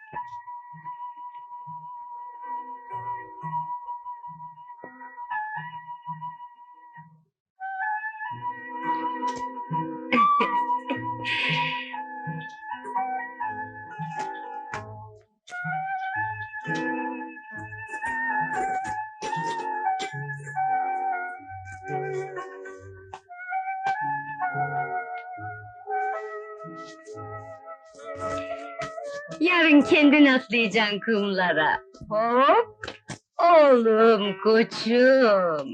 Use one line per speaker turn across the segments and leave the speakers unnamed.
Yarın kendin atlayacaksın kumlara. Hop! Oğlum, koçum!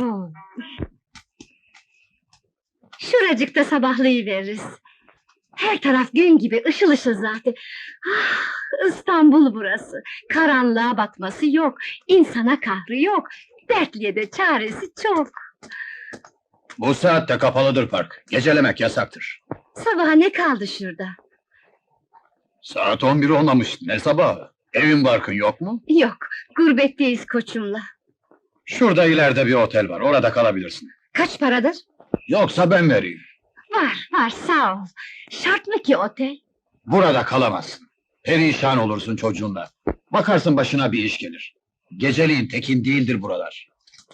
Şuracıkta sabahlayıveririz. Her taraf gün gibi, ışıl ışıl zaten. Ah, İstanbul burası. Karanlığa batması yok, insana kahrı yok. Dertliye de çaresi çok.
Bu saatte kapalıdır park. Gecelemek yasaktır.
Sabaha ne kaldı şurada?
Saat 11 olmamış. Ne sabahı? Evin barkın yok mu?
Yok, gurbetteyiz koçumla.
Şurada ileride bir otel var. Orada kalabilirsin.
Kaç paradır?
Yoksa ben vereyim.
Var, sağ ol. Şart mı ki otel?
Burada kalamazsın. Perişan olursun çocuğunla. Bakarsın başına bir iş gelir. Geceliğin tekin değildir buralar.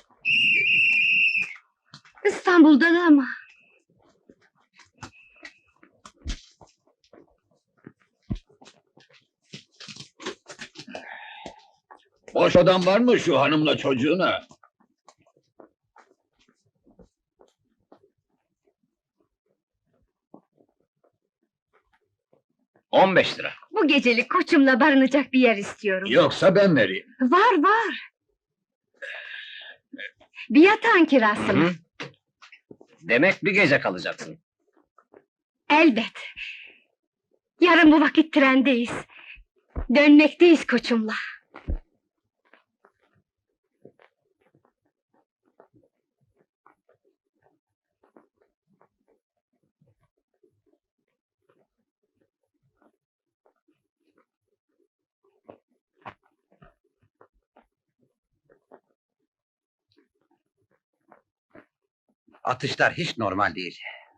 İstanbul'da da ama.
Boş odan var mı şu hanımla çocuğuna? $15.
Bu gecelik koçumla barınacak bir yer istiyorum.
Yoksa ben vereyim.
Var. Bir yatağın kirası mı?
Demek bir gece kalacaksın.
Elbet. Yarın bu vakit trendeyiz. Dönmekteyiz koçumla.
Atışlar hiç normal değil.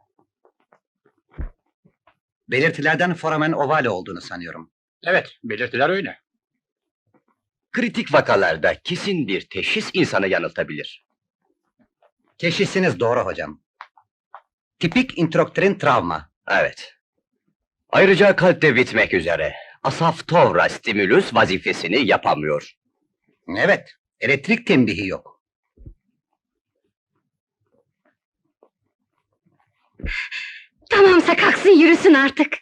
Belirtilerden foramen ovale olduğunu sanıyorum.
Evet, belirtiler öyle.
Kritik vakalarda kesin bir teşhis insanı yanıltabilir.
Teşhisiniz doğru hocam. Tipik introktrin travma.
Evet. Ayrıca kalpte bitmek üzere. Asaftovra stimulus vazifesini yapamıyor.
Evet, elektrik tembihi yok.
Tamamsa kalksın yürüsün artık.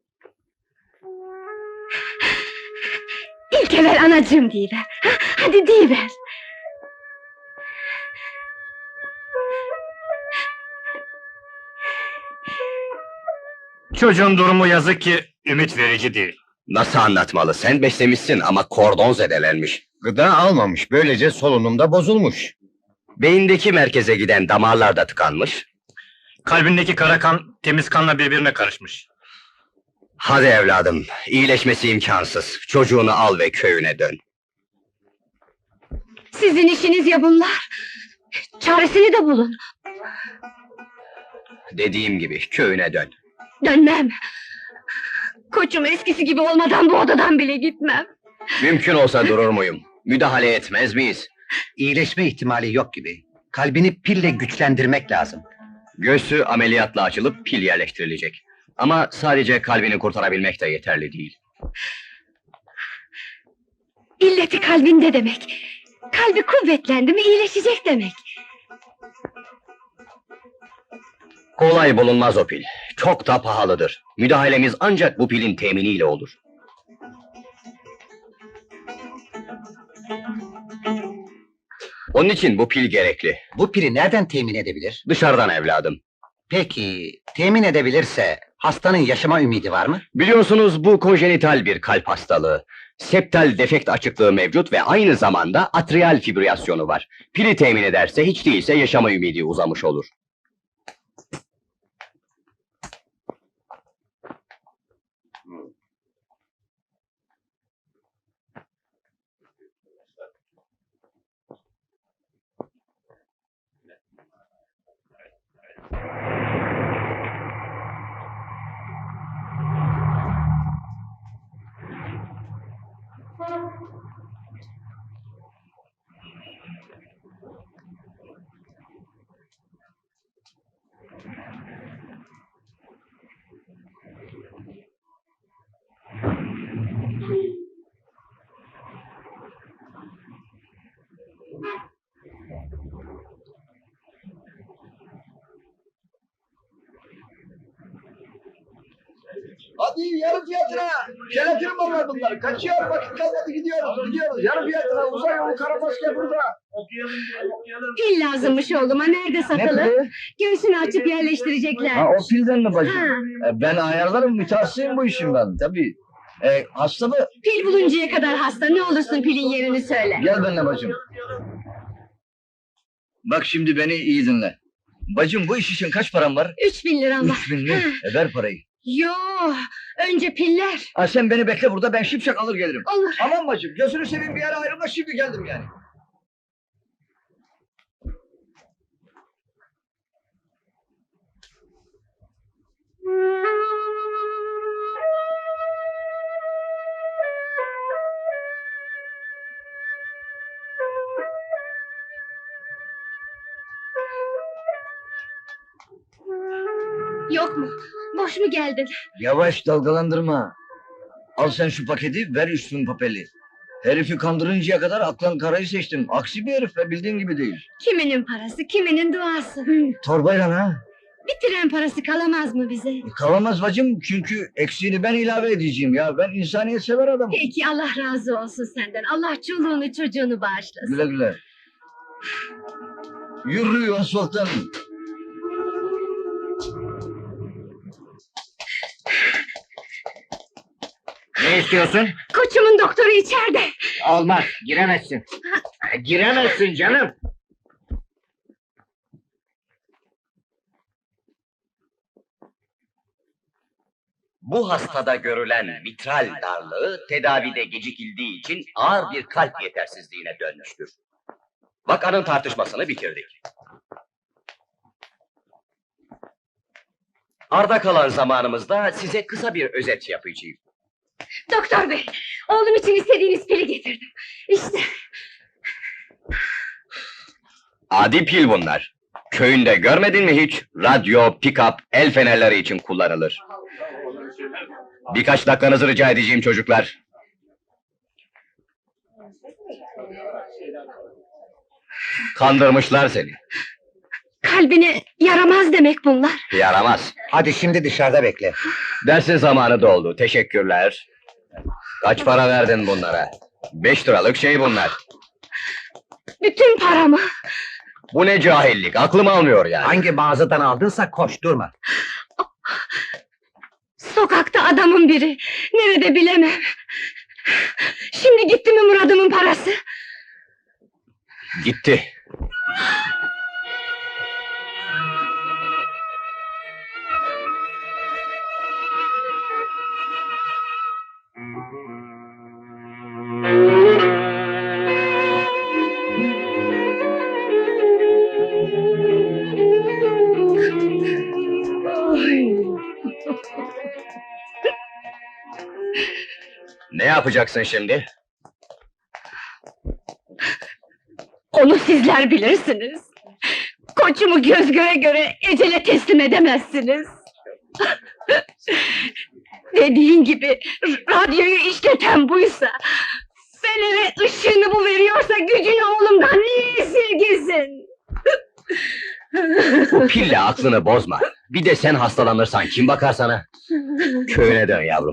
İlk evvel anacığım deyiver. Hadi deyiver.
Çocuğun durumu yazık ki ümit verici değil.
Nasıl anlatmalı? Sen beslemişsin ama kordon zedelenmiş.
Gıda almamış, böylece solunumda bozulmuş.
Beyindeki merkeze giden damarlar da tıkanmış.
Kalbindeki kara kan temiz kanla birbirine karışmış.
Hadi evladım, iyileşmesi imkansız. Çocuğunu al ve köyüne dön.
Sizin işiniz ya bunlar. Çaresini de bulun.
Dediğim gibi köyüne dön.
Dönmem. Koçum eskisi gibi olmadan bu odadan bile gitmem.
Mümkün olsa durur muyum? Müdahale etmez miyiz?
İyileşme ihtimali yok gibi. Kalbini pille güçlendirmek lazım.
Göğsü ameliyatla açılıp pil yerleştirilecek. Ama sadece kalbini kurtarabilmek de yeterli değil.
İlleti kalbinde demek. Kalbi kuvvetlendi mi iyileşecek demek.
Kolay bulunmaz o pil. Çok da pahalıdır. Müdahalemiz ancak bu pilin teminiyle olur. Onun için bu pil gerekli.
Bu pili nereden temin edebilir?
Dışarıdan evladım.
Peki, temin edebilirse hastanın yaşama ümidi var mı?
Biliyorsunuz bu konjenital bir kalp hastalığı. Septal defekt açıklığı mevcut ve aynı zamanda atrial fibrilasyonu var. Pili temin ederse hiç değilse yaşama ümidi uzamış olur.
Hadi yarı fiyatına. Jelatin mallar bunlar. Kaçıyor vakit kalmadı gidiyoruz. Yarı fiyatına uzay yolu Karabaskı burada.
Pil lazımmış oğluma, nerede satılır? Göğsünü açıp yerleştirecekler.
o pilden mi bacım?
Ha.
Ben ayarlarım mütehassısıyım bu işim ben tabii. Hasta mı?
Pil buluncaya kadar hasta, ne olursun pilin yerini söyle.
Gel benimle bacım. Bak şimdi beni iyi dinle. Bacım bu iş için kaç param var?
3000 liram var.
3000 mi? Ver parayı.
Yo, önce piller.
Sen beni bekle burada ben şipşak alır gelirim.
Olur.
Aman bacım gözünü seveyim bir yere ayrılma şimdi geldim yani.
Yok mu? Boş mu geldin?
Yavaş dalgalandırma. Al sen şu paketi ver 3000 papeli. Herifi kandırıncaya kadar aklın karayı seçtim. Aksi bir herif ve bildiğin gibi değil.
Kiminin parası, kiminin duası.
Torbayla ha?
Bir tren parası kalamaz mı bize?
Kalamaz bacım çünkü eksiğini ben ilave edeceğim ya. Ben insaniyet sever adamım.
Peki, Allah razı olsun senden. Allah çoluğunu çocuğunu bağışlasın.
Güle güle. Yürü asfalttan.
Ne istiyorsun?
Koçumun doktoru içeride.
Olmaz, giremezsin. Giremezsin canım.
Bu hastada görülen mitral darlığı tedavide gecikildiği için ağır bir kalp yetersizliğine dönmüştür. Vakanın tartışmasını bitirdik. Arda kalan zamanımızda size kısa bir özet yapacağım.
Doktor bey, oğlum için istediğiniz pili getirdim. İşte.
Adi pil bunlar. Köyünde görmedin mi hiç? Radyo, pick-up, el fenerleri için kullanılır. Birkaç dakikanızı rica edeceğim çocuklar. Kandırmışlar seni.
Kalbine yaramaz demek bunlar.
Yaramaz.
Hadi şimdi dışarıda bekle.
Dersin zamanı doldu. Teşekkürler. Kaç para verdin bunlara? 5 liralık şey bunlar.
Bütün paramı.
Bu ne cahillik? Aklım almıyor yani.
Hangi mağazadan aldınsa koş durma.
Sokakta adamın biri. Nerede bilemem. Şimdi gitti mi Murad'ımın parası?
Gitti. Ne yapacaksın şimdi?
Onu sizler bilirsiniz. Koçumu göz göre göre ecele teslim edemezsiniz. Dediğin gibi radyoyu işleten buysa, fenere ışığını bu veriyorsa gücünü oğlumdan niye esirgesin?
Bu pille aklını bozma. Bir de sen hastalanırsan kim bakar sana? Köyüne dön yavrum.